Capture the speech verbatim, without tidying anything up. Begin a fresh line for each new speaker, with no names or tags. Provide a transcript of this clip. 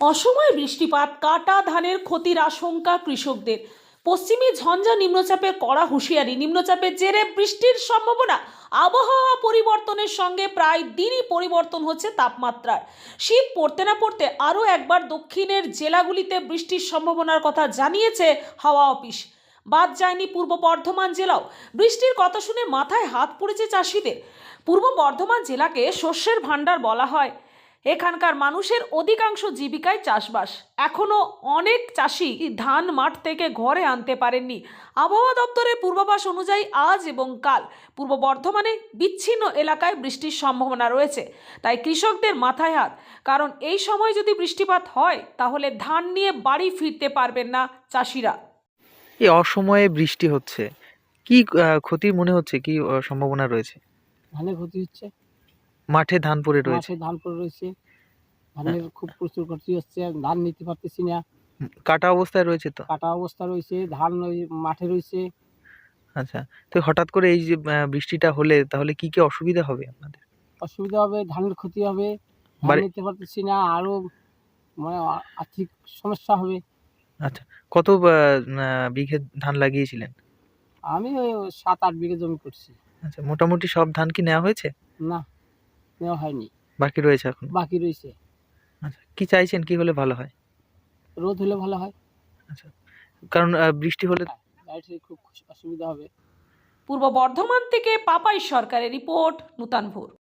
অসময়ে বৃষ্টিপাত, কাটা ধানের ক্ষতির আশঙ্কা কৃষকদের। পশ্চিমী ঝঞ্ঝা নিম্নচাপের কড়া হুঁশিয়ারি। নিম্নচাপের জেরে বৃষ্টির সম্ভাবনা। আবহাওয়া পরিবর্তনের সঙ্গে প্রায় দিনই পরিবর্তন হচ্ছে তাপমাত্রার। শীত পড়তে না পড়তে আরও একবার দক্ষিণের জেলাগুলিতে বৃষ্টির সম্ভাবনার কথা জানিয়েছে হাওয়া অফিস। বাদ যায়নি পূর্ব বর্ধমান জেলাও। বৃষ্টির কথা শুনে মাথায় হাত পড়েছে চাষিদের। পূর্ব বর্ধমান জেলাকে শস্যের ভাণ্ডার বলা হয়। এখানকার মানুষের অধিকাংশ জীবিকায় চাষবাস। এখনো অনেক চাষি ধান মাঠ থেকে ঘরে আনতে পারেননি। আবহাওয়া দপ্তরের পূর্বাভাস অনুযায়ী আজ এবং কাল পূর্ব বর্ধমানে বিচ্ছিন্ন এলাকায় বৃষ্টির সম্ভাবনা রয়েছে। তাই কৃষকদের মাথায় হাত, কারণ এই সময় যদি বৃষ্টিপাত হয় তাহলে ধান নিয়ে বাড়ি ফিরতে পারবেন না চাষিরা।
এই অসময়ে বৃষ্টি হচ্ছে, কি আহ, ক্ষতির মনে হচ্ছে, কি আহ, সম্ভাবনা রয়েছে?
ধানের ক্ষতি হচ্ছে,
মাঠে ধান পড়ে রয়েছে।
মাঠে ধান পড়ে রয়েছে, ধানের খুব প্রচুর ক্ষতি হচ্ছে, ধান নিতে পারতেছি না,
হুম, কাটা অবস্থায় রয়েছে তো।
কাটা অবস্থা রয়েছে, ধান ওই মাঠে রয়েছে।
আচ্ছা, তো হঠাৎ করে এই যে আহ, বৃষ্টিটা হলে তাহলে কি কি অসুবিধা হবে আপনাদের?
অসুবিধা হবে, ধানের ক্ষতি হবে, ধান
বাড়ি
নিতে পারতেছি না, আরও মানে আ- আর্থিক সমস্যা হবে।
আচ্ছা, কত আহ, আহ, বিঘে ধান লাগিয়েছিলেন?
আমি ওই সাত আট বিঘে জমি করছি।
আচ্ছা, মোটামুটি সব ধান কি নেওয়া হয়েছে?
না, নেওয়া হয়নি,
বাকি রয়েছে এখন?
বাকি রয়েছে।
আচ্ছা, কি চাইছেন, কি হলে ভালো হয়?
রোদ হলে ভালো হয়,
আচ্ছা, কারণ আহ, বৃষ্টি হলে
গাড়িতে খুব অসুবিধা হবে।
পূর্ব বর্ধমান থেকে পাপাই সরকারের রিপোর্ট, নূতন ভোর।